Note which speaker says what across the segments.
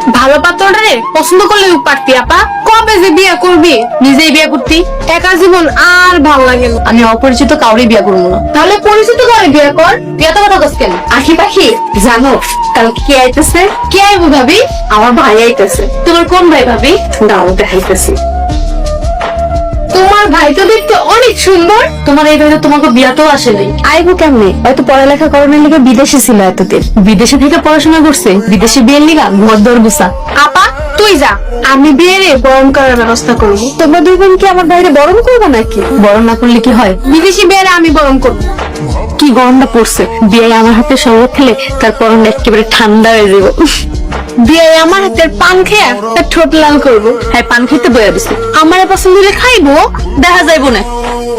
Speaker 1: ভালো পাত্রটারে পছন্দ করলে পারতি আপা। কবে যে বিয়ে করবি? নিজেই বিয়ে করতি। একা জীবন আর ভাল লাগে না।
Speaker 2: আমি অপরিচিত কাউরে বিয়ে করবো না।
Speaker 1: তাহলে পরিচিত করে বিয়ে কর।
Speaker 2: বিয়ে তো কথা কস কেন?
Speaker 1: আখি পাখি জানো কালকে কে আইতেছে? কে আইবো ভাবি? আমার ভাই আইতেছে। তোমার কোন ভাই ভাবি? দাও দেখাইতেছি। তোমার ভাই তো দেখতে অনেক সুন্দর।
Speaker 2: তোমার এই ভাই তো তোমাকে বিয়াতেও আসে নাই।
Speaker 1: আইবো কেমনে? হয়তো পড়ালেখা করানোর লিগে বিদেশে ছিল এতদিন।
Speaker 2: বিদেশে থেকে পড়াশোনা করছে, বিদেশে বিয়ের লিগা ঘর দর গুছা।
Speaker 1: আপা তুই যা, আমি বিয়েরে বরণ করার ব্যবস্থা করবো। তোমরা দুই বোন কি আমার বাইরে বরণ করবো নাকি?
Speaker 2: বরণ না করলে কি হয়?
Speaker 1: বিদেশি বিয়েরে আমি বরণ করবো।
Speaker 2: কি গরমটা পড়ছে, বিয়ে আমার হাতে শরবত খেলে তার পরন একেবারে ঠান্ডা হয়ে যাবো।
Speaker 1: বিয়ে আমার হাতের পান খেয়ে তার ঠোঁট লাল করবো।
Speaker 2: হ্যাঁ, পান খেতে বইয়া দিছে।
Speaker 1: আমার পছন্দ হলে খাইবো।
Speaker 2: দেখা যাইবো না।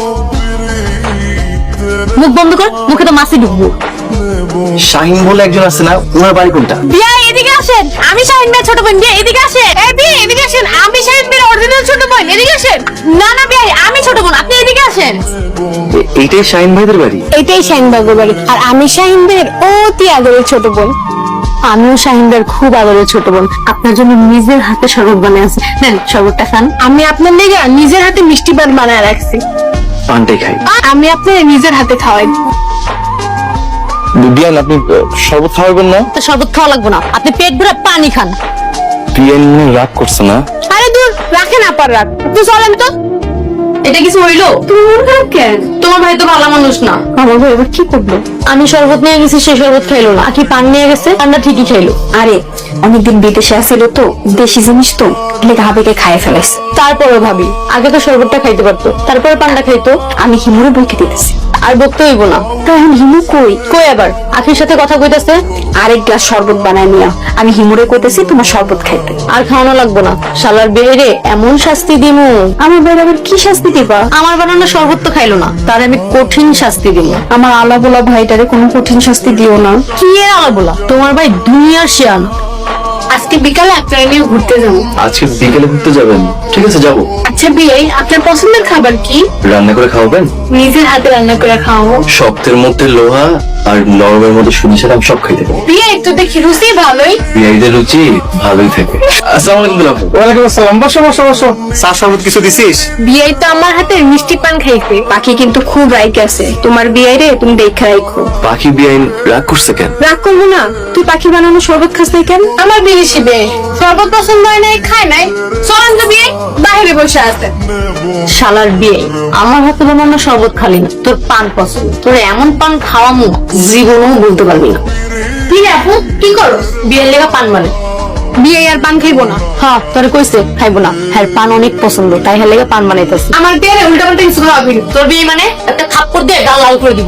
Speaker 2: মুখ বন্ধ কর, মুখে তো মাছি ঢুকবো।
Speaker 3: শাহিন বলে একজন আছে না, ওনার বাড়ি কোনটা?
Speaker 1: বিয়ে এদিকে আসেন, আমি শাহিন ভাই ছোট বোন। বিয়ে এদিকে আসেন। এই বিয়ে এদিকে আসেন, আমি শাহিন ভাইয়ের অরিজিনাল ছোট বোন। এদিকে আসেন। না না বিয়ে আমি ছোট বোন, আপনি এদিকে আসেন।
Speaker 3: এইটাই শাহিন ভাইদের বাড়ি?
Speaker 1: এটাই শাহিন বাবুর বাড়ি, আর আমি শাহিন ভাইয়ের অতি আদরের ছোট বোন।
Speaker 2: আমিও শাহিন ভাইয়ের খুব আদরের ছোট বোন। আপনার জন্য নিজের হাতে শরবত বানিয়ে আছে, নেন শরবতটা খান।
Speaker 1: আমি আপনার লেগে নিজের হাতে মিষ্টি পান বানায় রাখছি।
Speaker 3: পানটাই খাই।
Speaker 1: আমি আপনার নিজের হাতে খাওয়াই।
Speaker 3: বিয়ান, আপনি শরবত খাওয়াবেন না?
Speaker 2: তো শরবত খাওয়া লাগবে না, আপনি পেট ভরে পানি খান।
Speaker 3: বিয়ান রাগ করছে না?
Speaker 1: আরে দূর, রাখেন আপার রাখ। তুই চলেন তো।
Speaker 2: এটা কিছু হইলো?
Speaker 1: তুমি মন খারাপ কেন?
Speaker 2: তোমার ভাই তো ভালো মানুষ না।
Speaker 1: আমার ভাই এবার কি করলো?
Speaker 2: আমি শরবত নিয়ে গেছি, সে শরবত খাইলো না। আকি পান নিয়ে গেছে, পানটা ঠিকই খাইলো।
Speaker 1: আরে অনেকদিন বিদেশে আসিল তো, দেশি জিনিস তো, লেগে হাবিকে খাইয়ে ফেলাইছে।
Speaker 2: তারপরে ভাবি, আগে তো শরবতটা খাইতে পারতো, তারপরে পানটা খাইতো।
Speaker 1: আমি হিমুরে বইকে দিতেছি।
Speaker 2: আর বকতে হইব না।
Speaker 1: তো এখন হিমু কই?
Speaker 2: কই আবার আখির সাথে কথা কইতাছে।
Speaker 1: আরেক গ্লাস শরবত বানায় নিয়া আমি হিমুরে কইতেছি তোমার শরবত খাইতে।
Speaker 2: আর খাওয়ানো লাগবো না। শালার বেহেরে এমন শাস্তি দিমু।
Speaker 1: আমার ভাই আবার কি শাস্তি দিবা?
Speaker 2: আমার বানানো শরবত তো খাইলো না, তার আমি কঠিন শাস্তি দিমু।
Speaker 1: আমার আলা বলা ভাইটারে কোনো কঠিন শাস্তি দিও না।
Speaker 2: কি এর আলা বলা? তোমার ভাই দুনিয়ার শিয়ান।
Speaker 1: আজকে বিকালে আপনারা নিয়ে ঘুরতে যাবো।
Speaker 3: আজকে বিকেলে ঘুরতে যাবেন? ঠিক আছে, যাবো।
Speaker 1: আচ্ছা বিয়ে, আপনার পছন্দের খাবার কি?
Speaker 3: রান্না করে খাওয়াবেন?
Speaker 1: নিজের হাতে রান্না করে খাওয়াবো।
Speaker 3: শক্তের মধ্যে লোহা আর নরমের মধ্যে সুজি ছাড়া আমি সব খাইতে পারি।
Speaker 1: বিয়ে তো দেখি রুচি ভালোই।
Speaker 3: বিয়াইদের রুচি ভালোই থাকে। আসসালামু আলাইকুম দুলাভ।
Speaker 4: ওয়ালাইকুম আসসালাম। বসো বসো বসো। চা শরবত কিছু দিছিস?
Speaker 1: বিয়ে তো আমার হাতে মিষ্টি পান খাইছে। পাখি কিন্তু খুব রাইক আছে। তোমার বিয়ে রে তুমি দেখে রাখো।
Speaker 3: বাকি বিয়াইন রাগ করছে কেন?
Speaker 1: রাগ করবো না। তুই পাখি বানানো শরবত খাস নাই কেন? আমার বিদেশি বিয়ে শরবত পছন্দ হয় নাই, খায় নাই। চলেন তো বিয়ে, বাইরে বসে আছে।
Speaker 2: শালার বিয়ে, আমার হাতে বানানো শরবত খালি না, তোর পান পছন্দ। তোর এমন পান খাওয়ামু জীবনও বলতে পারবি না।
Speaker 1: বিয়ে আপু কি করো?
Speaker 2: বিয়ের লেগা পান মানে?
Speaker 1: বিয়ে আর পান খাইবো না।
Speaker 2: হ্যাঁ, তোরে কইছে খাইবো না। হ্যাঁ, পান অনেক পছন্দ, তাই হ্যাঁ লেগে পান বানাইতেছে।
Speaker 1: আমার বিয়ে উল্টা পাল্টা কিছু খাওয়াবি না।
Speaker 2: তোর বিয়ে মানে একটা থাপ্পড় দিয়ে গাল লাল করে দিব।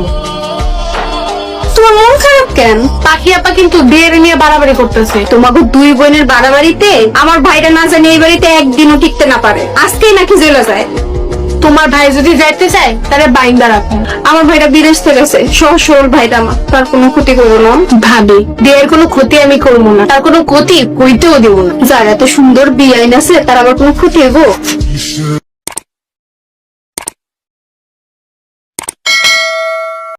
Speaker 1: তোমার মন খারাপ কেন? পাখি আপা কিন্তু বিয়ে নিয়ে বাড়াবাড়ি করতেছে। তোমাকে দুই বোনের বাড়াবাড়িতে আমার ভাইটা না জানি এই বাড়িতে একদিনও টিকতে না পারে। আজকেই নাকি জেলে যায়। তোমার ভাই যদি যাইতে চায় তাহলে বাইন্দা রাখো। আমার ভাইটা বিদেশ থেকে গেছে, সহজ সরল ভাইটা আমার, তার কোনো ক্ষতি করবো না। ভাবি বিয়ের কোনো ক্ষতি আমি করবো না, তার কোনো ক্ষতি কইতেও দিব না। যার এত সুন্দর বিয়ে আইন আছে তার আবার কোনো ক্ষতি হইব?